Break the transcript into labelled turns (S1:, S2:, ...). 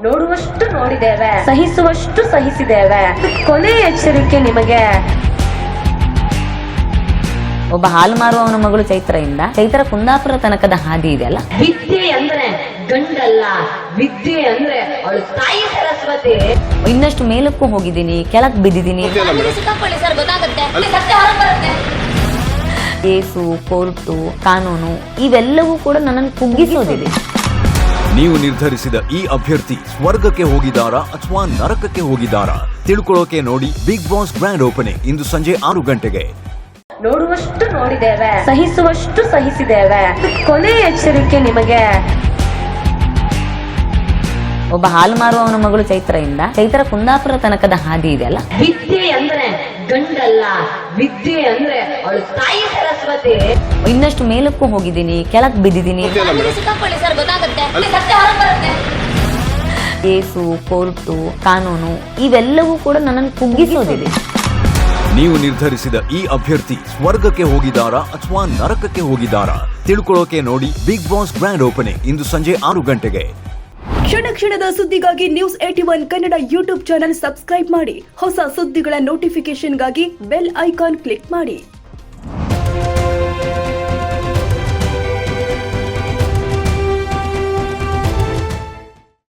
S1: ನೋಡುವಷ್ಟು ನೋಡಿದ್ದೇವೆ, ಸಹಿಸುವಷ್ಟು ಸಹಿಸಿದ್ದೇವೆ. ಕೊನೆಯ ಎಚ್ಚರಿಕೆ ನಿಮಗೆ.
S2: ಒಬ್ಬ ಹಾಲು ಮಾರುವವನ ಮಗಳು ಚೈತ್ರದಿಂದ ಚೈತ್ರ ಕುಂದಾಪುರ ತನಕದ ಹಾದಿ ಇದೆಯಲ್ಲ.
S1: ವಿದ್ಯೆ ಅಂದ್ರೆ ಗಂಡಲ್ಲ, ವಿದ್ಯೆ ಅಂದ್ರೆ ಅವಳು ತಾಯಿ ಸರಸ್ವತಿ.
S2: ಇನ್ನಷ್ಟು ಮೇಲಕ್ಕೂ ಹೋಗಿದ್ದೀನಿ, ಕೆಳಕ್ ಬಿದ್ದಿದ್ದೀನಿ. ಕೇಸು, ಕೋರ್ಟು, ಕಾನೂನು ಇವೆಲ್ಲವೂ ಕೂಡ ನನ್ನನ್ನು ಕುಗ್ಗಿಸೋದಿದೆ.
S3: ನೀವು ನಿರ್ಧರಿಸಿದ ಈ ಅಭ್ಯರ್ಥಿ ಸ್ವರ್ಗಕ್ಕೆ ಹೋಗಿದ್ದಾರಾ ಅಥವಾ ನರಕಕ್ಕೆ ಹೋಗಿದ್ದಾರಾ ತಿಳ್ಕೊಳ್ಳೋಕೆ ನೋಡಿ ಬಿಗ್ ಬಾಸ್ ಗ್ರ್ಯಾಂಡ್ ಓಪನಿಂಗ್ ಇಂದು ಸಂಜೆ 6 ಗಂಟೆಗೆ.
S1: ನೋಡುವಷ್ಟು ನೋಡಿದ್ದೇವೆ, ಸಹಿಸುವಷ್ಟು ಸಹಿಸಿದ್ದೇವೆ. ಕೊನೆಯ ಎಚ್ಚರಿಕೆ ನಿಮಗೆ.
S2: ಒಬ್ಬ ಹಾಲು ಮಾರುವವನ ಮಗಳು ಚೈತ್ರದಿಂದ ಚೈತ್ರ ಕುಂದಾಪುರ ತನಕದ ಹಾದಿ ಇದೆಯಲ್ಲ.
S1: ವಿದ್ಯೆ ಅಂದ್ರೆ ಗಂಡಲ್ಲ, ವಿದ್ಯೆ ಅಂದ್ರೆ ಅವಳು ತಾಯಿ ಸರಸ್ವತಿ.
S2: ಇನ್ನಷ್ಟು ಮೇಲಕ್ಕೂ ಹೋಗಿದ್ದೀನಿ, ಕೆಳಕ್ ಬಿದ್ದಿದ್ದೀನಿ. ಕೇಸು, ಕೋರ್ಟು, ಕಾನೂನು ಇವೆಲ್ಲವೂ ಕೂಡ ನನ್ನನ್ನು ಕುಗ್ಗಿಸೋದಿದೆ.
S3: ನೀವು ನಿರ್ಧರಿಸಿದ ಈ ಅಭ್ಯರ್ಥಿ ಸ್ವರ್ಗಕ್ಕೆ ಹೋಗಿದ್ದಾರಾ ಅಥವಾ ನರಕಕ್ಕೆ ಹೋಗಿದ್ದಾರಾ ತಿಳ್ಕೊಳ್ಳೋಕೆ ನೋಡಿ ಬಿಗ್ ಬಾಸ್ ಗ್ರ್ಯಾಂಡ್ ಓಪನಿಂಗ್ ಇಂದು ಸಂಜೆ 6 ಗಂಟೆಗೆ.
S4: ಕ್ಷಣ ಕ್ಷಣದ ಸುದ್ದಿಗಾಗಿ news 81 Kannada YouTube channel subscribe ಮಾಡಿ. ಹೊಸ ಸುದ್ದಿಗಳ ನೋಟಿಫಿಕೇಶನ್ಗಾಗಿ ಬೆಲ್ ಐಕಾನ್ ಕ್ಲಿಕ್ ಮಾಡಿ.